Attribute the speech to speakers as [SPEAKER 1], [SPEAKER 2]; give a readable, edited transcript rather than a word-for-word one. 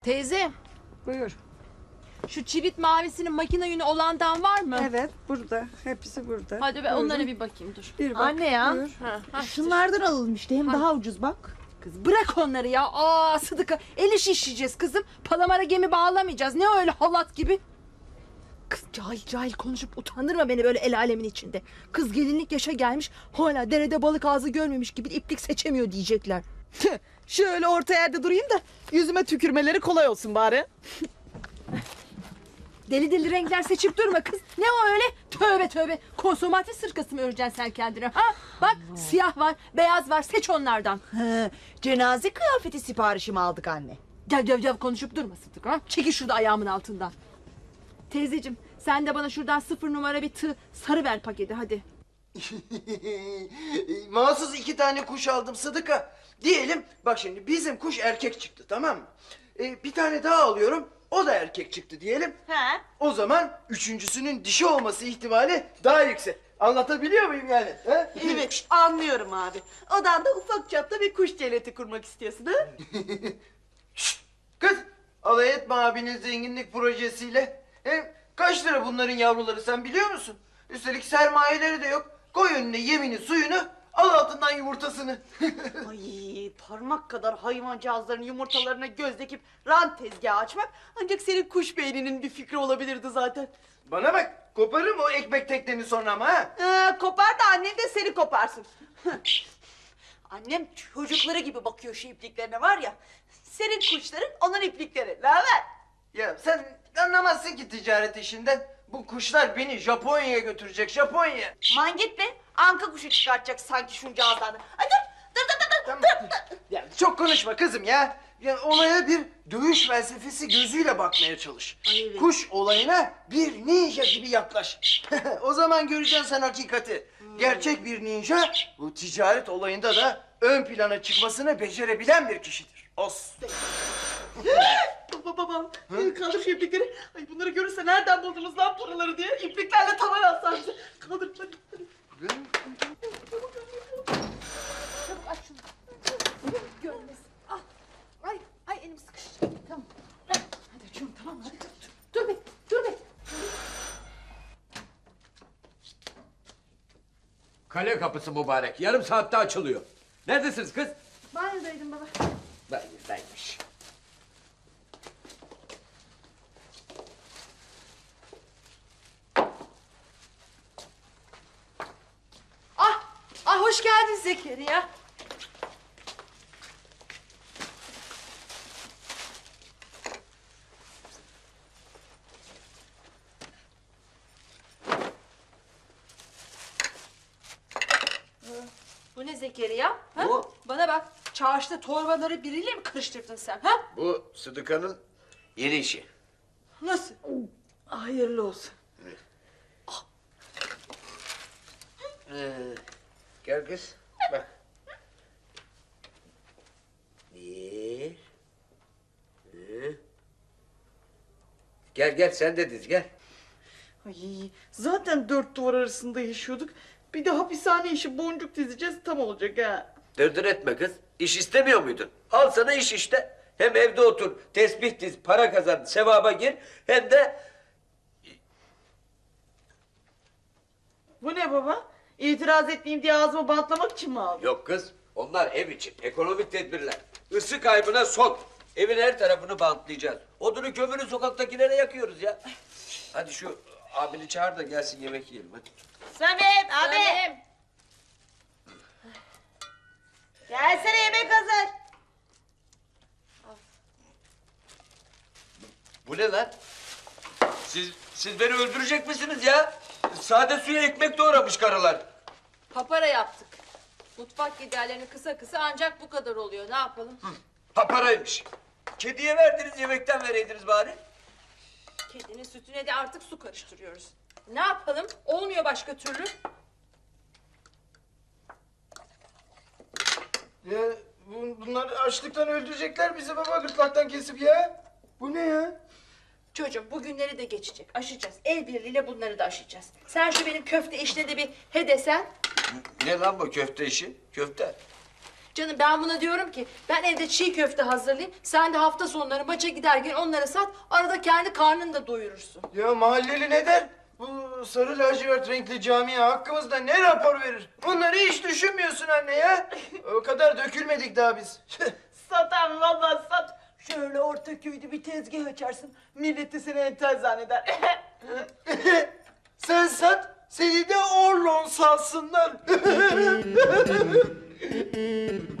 [SPEAKER 1] Teyze,
[SPEAKER 2] Buyur.
[SPEAKER 1] şu çivit mavisinin makine yünü olandan var mı?
[SPEAKER 2] Evet burada. Hepsi burada.
[SPEAKER 1] Hadi ben
[SPEAKER 2] Buyurun.
[SPEAKER 1] onlara bir bakayım dur.
[SPEAKER 2] Bir bak.
[SPEAKER 3] Anne ya.
[SPEAKER 2] Buyur.
[SPEAKER 1] Ha,
[SPEAKER 3] Şunlardan alalım işte hem daha ucuz bak.
[SPEAKER 1] Kız bırak onları ya. Aa Sıdıka, el işi işleyeceğiz kızım. Palamara gemi bağlamayacağız. Ne öyle halat gibi. Kız cahil cahil konuşup utandırma beni böyle el alemin içinde. Kız gelinlik yaşa gelmiş, hala derede balık ağzı görmemiş gibi iplik seçemiyor diyecekler.
[SPEAKER 3] Şöyle orta yerde durayım da yüzüme tükürmeleri kolay olsun bari.
[SPEAKER 1] Deli deli renkler seçip durma kız. Ne o öyle? Tövbe tövbe. Konsomatri sırkası mı öreceksin sen kendine? Ha? Bak siyah var, beyaz var. Seç onlardan.
[SPEAKER 3] Cenaze kıyafeti siparişimi aldık anne.
[SPEAKER 1] Gel konuşup durma Sıdık ha. Çekil şurada ayağımın altından. Teyzeciğim sen de bana şuradan 0 numara bir tığ sarı ver paketi hadi.
[SPEAKER 4] Mahsus 2 tane kuş aldım Sıdıka. Diyelim bak şimdi bizim kuş erkek çıktı, tamam mı? Bir tane daha alıyorum, o da erkek çıktı diyelim.
[SPEAKER 3] He.
[SPEAKER 4] O zaman üçüncüsünün dişi olması ihtimali daha yüksek. Anlatabiliyor muyum yani? He?
[SPEAKER 3] Evet anlıyorum abi. Odanda ufak çapta bir kuş cenneti kurmak istiyorsun ha?
[SPEAKER 4] Şşt! Kız, alay etme abinin zenginlik projesiyle. Kaç lira bunların yavruları sen biliyor musun? Üstelik sermayeleri de yok. Koy önüne yemini suyunu, al altından yumurtasını.
[SPEAKER 3] Ay parmak kadar hayvancağızların yumurtalarına göz dikip rant tezgahı açmak ancak senin kuş beyninin bir fikri olabilirdi zaten.
[SPEAKER 4] Bana bak, koparırım o ekmek tekneni sonra ama ha.
[SPEAKER 3] Kopar da annem de seni koparsın. Annem çocukları gibi bakıyor şu ipliklerine var ya. Senin kuşların onun iplikleri. Ne haber?
[SPEAKER 4] Ya sen anlamazsın ki ticaret işinden. Bu kuşlar beni Japonya'ya götürecek, Japonya.
[SPEAKER 3] Man git be. Anka kuşu çıkartacak sanki şunca ağızdan. Ay dur.
[SPEAKER 4] Tamam. Ya çok konuşma kızım ya. Ya olaya bir dövüş felsefesi gözüyle bakmaya çalış.
[SPEAKER 3] Ay evet.
[SPEAKER 4] Kuş olayına bir ninja gibi yaklaş. O zaman göreceksin sen hakikati. Gerçek bir ninja bu ticaret olayında da ön plana çıkmasını becerebilen bir kişidir. Os.
[SPEAKER 3] Baba kaldır şu iplikleri. Ay bunları görürse nereden buldunuz lan paraları diye ipliklerle tavan atsan bize. Kaldır hadi.
[SPEAKER 1] Çabuk aç şunu. Görmesin. Ah. Ay elim sıkıştı. Tamam. Hadi açıyorum tamam mı? Hadi dur be.
[SPEAKER 5] Kale kapısı mübarek. Yarım saatte açılıyor. Neredesiniz kız?
[SPEAKER 1] Banyodaydım baba.
[SPEAKER 5] Banyodaymış.
[SPEAKER 1] Ah hoş geldin Zekeriya. Bu ne Zekeriya? Ha?
[SPEAKER 5] Bu.
[SPEAKER 1] Bana bak. Çarşıda torbaları biriyle mi karıştırdın sen? Ha?
[SPEAKER 5] Bu Sıdıka'nın yeni işi.
[SPEAKER 1] Nasıl?
[SPEAKER 3] Hayırlı olsun.
[SPEAKER 5] Gel kız. Bak. Bir. Gel sen de diz gel.
[SPEAKER 3] Ay zaten dört duvar arasında yaşıyorduk. Bir de hapishane işi boncuk dizeceğiz tam olacak ha.
[SPEAKER 5] Dırdır etme kız. İş istemiyor muydun? Al sana iş işte. Hem evde otur, tesbih diz, para kazan, sevaba gir. Hem de
[SPEAKER 3] Bu ne baba? İtiraz etmeyeyim diye ağzımı bantlamak için mi aldın?
[SPEAKER 5] yok kız. Onlar ev için. Ekonomik tedbirler. Isı kaybına son. Evin her tarafını bantlayacağız. Odunu kömürü sokaktakilere yakıyoruz ya. Hadi şu abini çağır da gelsin yemek yiyelim hadi.
[SPEAKER 3] Samet abi.
[SPEAKER 1] Annem.
[SPEAKER 3] Gelsene yemek hazır.
[SPEAKER 5] Bu ne lan? Siz beni öldürecek misiniz ya? Sade suya ekmek doğramış karılar.
[SPEAKER 1] Papara yaptık. Mutfak giderlerini kısa ancak bu kadar oluyor. Ne yapalım?
[SPEAKER 5] Paparaymış. Kediye verdiniz yemekten vereydiniz bari.
[SPEAKER 1] Kedinin sütüne de artık su karıştırıyoruz. Ne yapalım? Olmuyor başka türlü.
[SPEAKER 4] Ya bunlar açlıktan öldürecekler bizi baba, gırtlaktan kesip ya. Bu ne ya?
[SPEAKER 1] Çocuğum bu günleri de geçecek. Aşacağız. El birliğiyle bunları da aşacağız. Sen şu benim köfte işine de bir he desen.
[SPEAKER 5] Ne lan bu köfte işi? Köfte.
[SPEAKER 1] Canım ben buna diyorum ki ben evde çiğ köfte hazırlayayım. Sen de hafta sonları maça giderken onları sat. Arada kendi karnını da doyurursun.
[SPEAKER 4] Ya mahalleli ne der? Bu sarı lacivert renkli camiye hakkımızda ne rapor verir? Bunları hiç düşünmüyorsun anne ya. O kadar dökülmedik daha biz.
[SPEAKER 3] Satan vallahi sat. Şöyle orta köyde bir tezgah açarsın. Millet de seni entel zanneder.
[SPEAKER 4] Sen sat, seni de Orlon salsınlar.